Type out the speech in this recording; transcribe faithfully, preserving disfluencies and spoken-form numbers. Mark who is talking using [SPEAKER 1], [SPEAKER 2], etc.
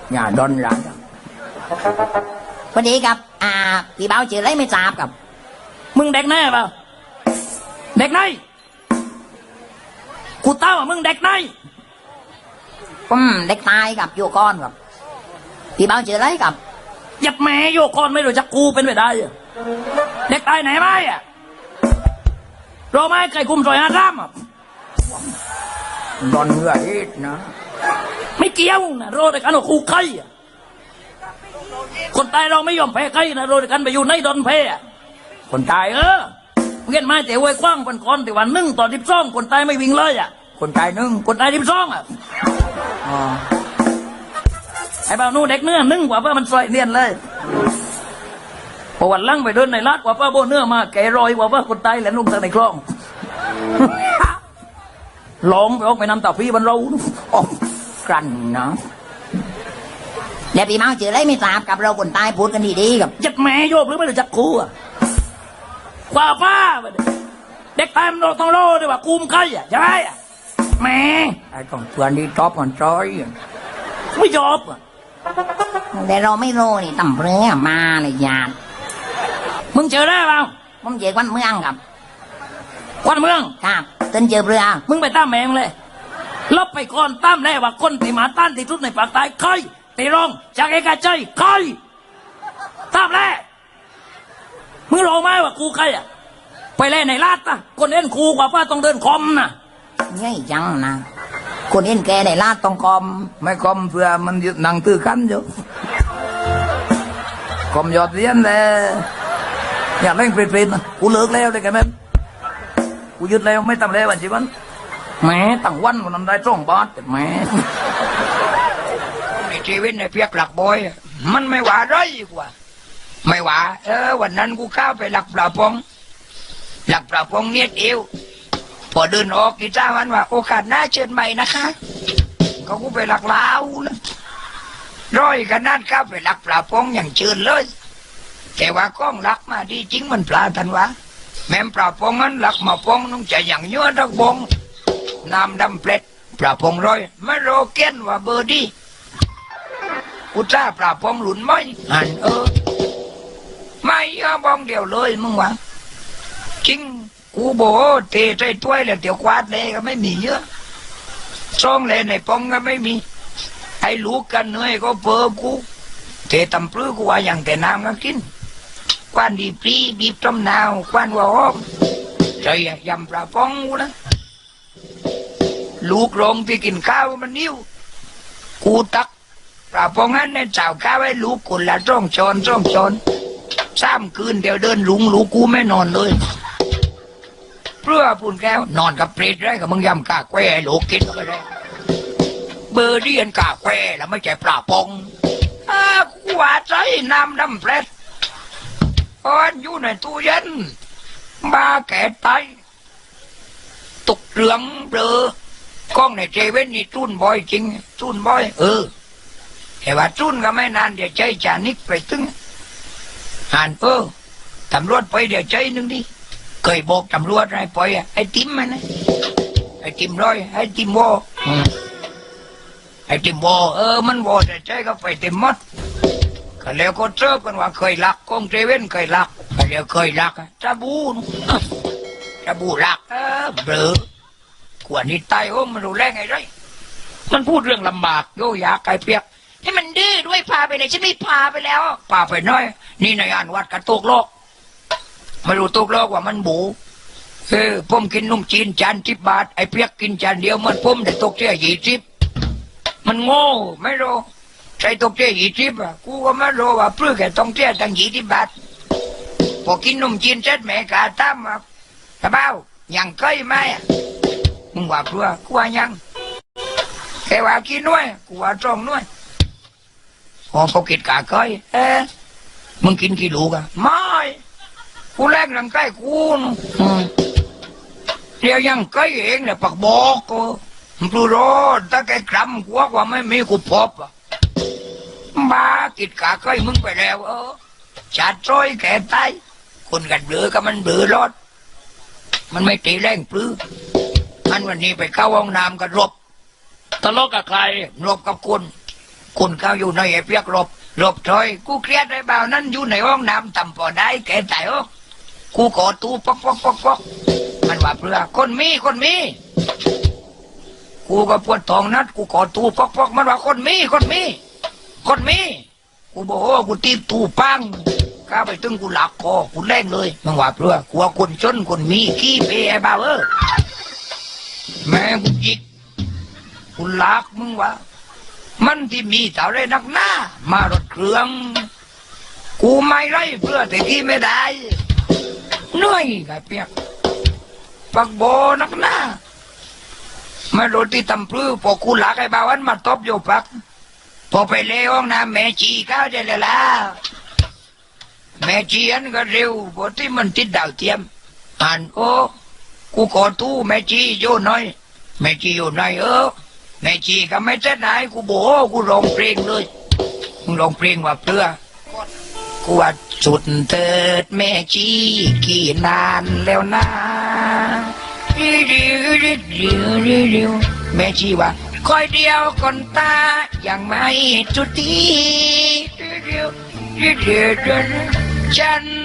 [SPEAKER 1] อย่าดนหลังพอดีครับอ่าพี่เบาชื่ออะไรไม่ทราบครับ
[SPEAKER 2] มึงเด็กแน่เปล่าเด็กไหนกูเต้าว่ามึงเด็กไหน
[SPEAKER 1] ผมเด็กตายกับโยก้อนครับพี่เบาชื่ออะไรครับ
[SPEAKER 2] ยับแม่โยกอนไม่รู้จักกูเป็นไปได้เด็กตายไหนไหมอ่ะรอไหมไก่คุมซอยอาร่ามอ่ะ
[SPEAKER 1] ดอนเหงื่อเอ็ดนะ
[SPEAKER 2] ไม่เกี่ยวนะรอแต่กันว่าคู่ไข่คนตายเราไม่ยอมแพ้ไข่นะรอแต่กันไปอยู่ในดอนแพ้คนตายเออเงี้ยมาแต่ไว้กว้างเป็นคนแต่วันนึ่งตอนทิพย์ซ่องคนตายไม่วิ่งเลยอ่ะ
[SPEAKER 1] คนตายนึ่ง
[SPEAKER 2] คนตายทิพย์ซ่องอ่ะอ๋อไอ้บ่าวนู้เด็กเนื้อนึ่งกว่าเพื่อมันสวยเนียนเลยพอวันลั่งไปเดินในลาดกว่าเพื่อโบเนื้อมาแกรอยกว่าเพื่อคนตายแหลมลงทางในคลองร้องไปออกไปนำตาพี่บรรเรา
[SPEAKER 1] ออกกันนะเดี๋ยวพี่เมาชื่ออะไรไม่ทราบกับเราคนตายพูดกันดีๆกับ
[SPEAKER 2] จัดแม่โยบหรือไม่รู้จักกูอ่ะกว่าป้าเด็กตายมันต้องโลด้วยว่ากูมใครอ่ะใช่ไหมอ่ะแม่
[SPEAKER 1] ไอ้ต้องเพื่อนที่ชอบกันจอย
[SPEAKER 2] ไม่ชอบอ่ะ
[SPEAKER 1] แต่เราไม่รู้นี่ตำเรือมาเลยญาติ
[SPEAKER 2] มึงเจอได้เปล่า
[SPEAKER 1] ผมเจอวันเมืองครับ
[SPEAKER 2] วันเมือง
[SPEAKER 1] ครับต้นเจอเรือ
[SPEAKER 2] มึงไปตั้มแมงเลยลบไปก่อนตั้มแน่ว่าคนที่มาต้านที่ทุบในปากตายใครตีรองจากเอกใจใครตั้มแน่มึงรู้ไหมว่ากูใครอ่ะไปเล่นในลาดอ่ะคนเล่นกูกว่าป้าต้องเดินคอมน่ะ
[SPEAKER 1] ง่ายจังนะคนเห็นแกในลาดต้องคอมไม่คอมเพื่อมันยึดหนังตื้อกันอยู่คอมยอดเรียนเลยอยากเล่นเปรตๆนะกูเลิกแล้วเลยแกแม่กูยึดแล้วไม่ทำแล้ววันจีวันแม่ตั้งวันวันนั้นได้สองบาทแต่แม่
[SPEAKER 3] ในชีวิตในเพียกหลักบอยมันไม่หวาไรกว่าไม่หวาเออวันนั้นกูเข้าไปหลักปลาพงหลักปลาพงเนียดเอวพอเดินออกกีตาร์มันว่าโอกาสหน้าเชิญใหม่นะคะก็กูไปหลักลาวนะร้อยกันนั่นเข้าไปหลักปลาพงอย่างเชิญเลยแต่ว่าก้องหลักมาดีจริงมันปลาทันวะแม่ปลาพงนั้นหลักมาพงน้องจะอย่างยั่วทักบงน้ำดำเปล็ดปลาพงร้อยไม่โรเกนว่าเบอร์ดีอุตส่าห์ปลาพงหลุนไม่หันเออไม่ยอบองเดียวเลยมึงวะจริงกูโบเตะใจถ้วยแล้วเดี๋ยวควาดเลยก็ไม่มีเยอะซ่องเลยในปองก็ไม่มีไอ้ลูกกันเนยก็เพ้อกูเตะตำปลื้กูว่าอย่างแต่น้ำก็กินควันดีปรีบีบต้มนาวควันว่าอ้อมใจยำปลาปองกูนะลูกโรงที่กินข้าวมันนิ้วกูตักปลาปองนั้นในเจ้าข้าวไอ้ลูกคนละจ้องชอนจ้องชอนซ้ำคืนเดี๋ยวเดินหลุงลูกกูไม่นอนเลยเพื่อปุ่นแก้วนอนกับเปรตได้กับมึงยำกาแควโลกกินไปเลยเบอร์เดียนกาแควแล้วไม่ใช่ปลาปองอ้ากูว่าใจน้ำดำเปรตอ่อนอยู่ในตู้เย็นบ้าแก่ตายตกเหลืองเบลอกล้องในเจเว่นนี่จุนบ่อยจริงจุนบ่อยเออแต่ว่าจุนก็ไม่นานเดี๋ยวใจจานิกไปตึงหันเออตำรวจไปเดี๋ยวใจนึงดิเคยบอกตำรวจอะไรปล่อยไอ้ติมมันนะไอ้ติมร้อยไอ้ติมวอไอ้ติมวอเออมันวอแต่ใจก็ไปเต็มหมดก็แล้วก็เจอกันว่าเคยลักกองเจเว่นเคยลักก็แล้วเคยลักจะบูจะบูลักเออเบลอกว่านี้ตายโอ้มันรู้แรงไงไรมันพูดเรื่องลำบากโยยาไก่เปียกให้มันดื้อด้วยพาไปไหนฉันไม่พาไปแล้วพาไปน้อยนี่ในอ่านวัดกระตุกโลกไม่รู้ตุกโลกว่ามันบูเออผมกินนุ่มจีนจานสิบบาทไอ้เปียกกินจานเดียวมันผมแต่ตกเสียยี่สิบมันโง่ไม่รู้ใช้ตกเสียยี่สิบอ่ะกูก็ไม่รู้ว่าเพื่อแค่ต้องเสียตั้งยี่สิบบาทพอกินนุ่มจีนเสร็จแม่กาตั้มอ่ะตะเบ้ายังเคยไหมอ่ะมึงว่าเพื่อกูว่ายังแค่ว่ากินน้อยกูว่าจ้องน้อยพอเขากินกาเคยเออมึงกินกี่ลูกอ่ะไม่กูแรกหลังใกล้กูเดี๋ยวยังใกล้เองเนี่ยปักบอกกูมึงดูรถถ้าแกกรำกูว่าไม่มีกูพบอ่ะบ้ากินกาใกล้มึงไปแล้วเออจัดจอยแกตายคนกันเบือก็มันเบือรถมันไม่ตีแรงปลื้อมันวันนี้ไปเข้าห้องน้ำกันรบ
[SPEAKER 2] ทะเลาะกับใคร
[SPEAKER 3] รบกับคนคนเขาอยู่ในไอ้เปียกหลบหลบถอยกูเครียดไอ้บ่าวนั้นอยู่ในห้องน้ำทำพอได้แกตายโอ้กูกอดตูปอกปอกปอกปอกมันว่าเพื่อคนมีคนมีกูก็ปวดท้องนัดกูกอดตูปอกปอกมันว่าคนมีคนมีคนมีกูบอกโอ้กูตีตูปังก้าไปตึงกูหลักคอกูแรงเลยมันว่าเพื่อกูว่าคนจนคนมีขี้เปไอ้บ่าวเออแม่กูจิกกูหลักมึงว่ามันที่มีเท่าไรนักหน้ามารถเครื่องกูไม่ไรเพื่อแต่ที่ไม่ได้เหนื่อยไงเปียกปักโบนักหน้าไม่รถที่ตำพลื้อพอกูหลักไอ้บ่าวันมาตบโยปักพอไปเลี้ยห้องน้ำแม่จีก้าวได้เลยล่ะแม่จีอันก็เร็วพอที่มันติดดาวเทียมอ่านโอ้กูขอตู้แม่จีโยนหน่อยแม่จีโยนหน่อยเออแม่จีก็ไม่เส้นไหนกูโบกูร้องเพลงเลยมึงร้องเพลงว่าเพื่อกูว่าสุดเถิดแม่จีกี่นานแล้วนะริวริวริวริวริวริวแม่จีว่าคอยเดียวคนตายังไม่จุดทีริวริวริวริวริวฉัน